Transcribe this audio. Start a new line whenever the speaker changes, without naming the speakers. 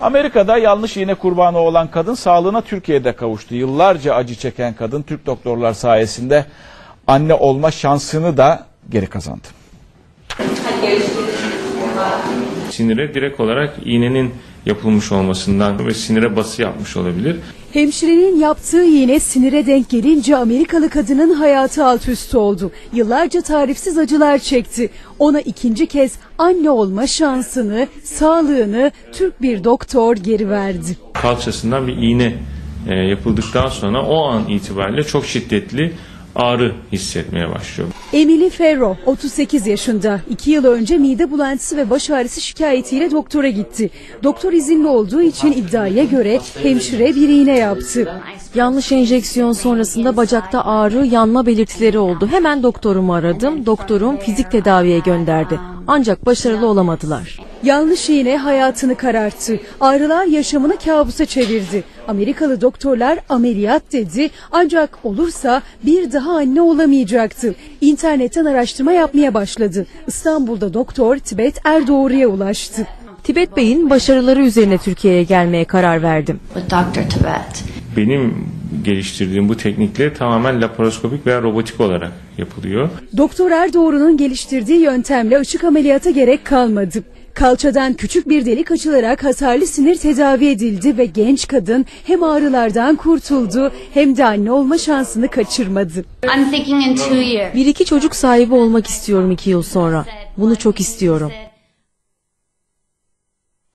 Amerika'da yanlış iğne kurbanı olan kadın sağlığına Türkiye'de kavuştu. Yıllarca acı çeken kadın Türk doktorlar sayesinde anne olma şansını da geri kazandı.
Sinire direkt olarak iğnenin yapılmış olmasından ve sinire bası yapmış olabilir.
Hemşirenin yaptığı iğne sinire denk gelince Amerikalı kadının hayatı alt üst oldu. Yıllarca tarifsiz acılar çekti. Ona ikinci kez anne olma şansını, sağlığını Türk bir doktor geri verdi.
Kalçasından bir iğne yapıldıktan sonra o an itibariyle çok şiddetli ağrı hissetmeye başlıyor.
Emily Ferro 38 yaşında. 2 yıl önce mide bulantısı ve baş ağrısı şikayetiyle doktora gitti. Doktor izinli olduğu için iddiaya göre hemşire bir iğne yaptı.
Yanlış enjeksiyon sonrasında bacakta ağrı, yanma belirtileri oldu. Hemen doktorumu aradım. Doktorum fizik tedaviye gönderdi. Ancak başarılı olamadılar.
Yanlış iğne hayatını kararttı. Ağrılar yaşamını kabusa çevirdi. Amerikalı doktorlar ameliyat dedi ancak olursa bir daha anne olamayacaktı. İnternetten araştırma yapmaya başladı. İstanbul'da doktor Tibet Erdoğru'ya ulaştı.
Tibet Bey'in başarıları üzerine Türkiye'ye gelmeye karar verdim.
Benim geliştirdiğim bu teknikle tamamen laparoskopik veya robotik olarak yapılıyor.
Doktor Erdoğru'nun geliştirdiği yöntemle açık ameliyata gerek kalmadı. Kalçadan küçük bir delik açılarak hasarlı sinir tedavi edildi ve genç kadın hem ağrılardan kurtuldu hem de anne olma şansını kaçırmadı.
1-2 çocuk sahibi olmak istiyorum 2 yıl sonra. Bunu çok istiyorum.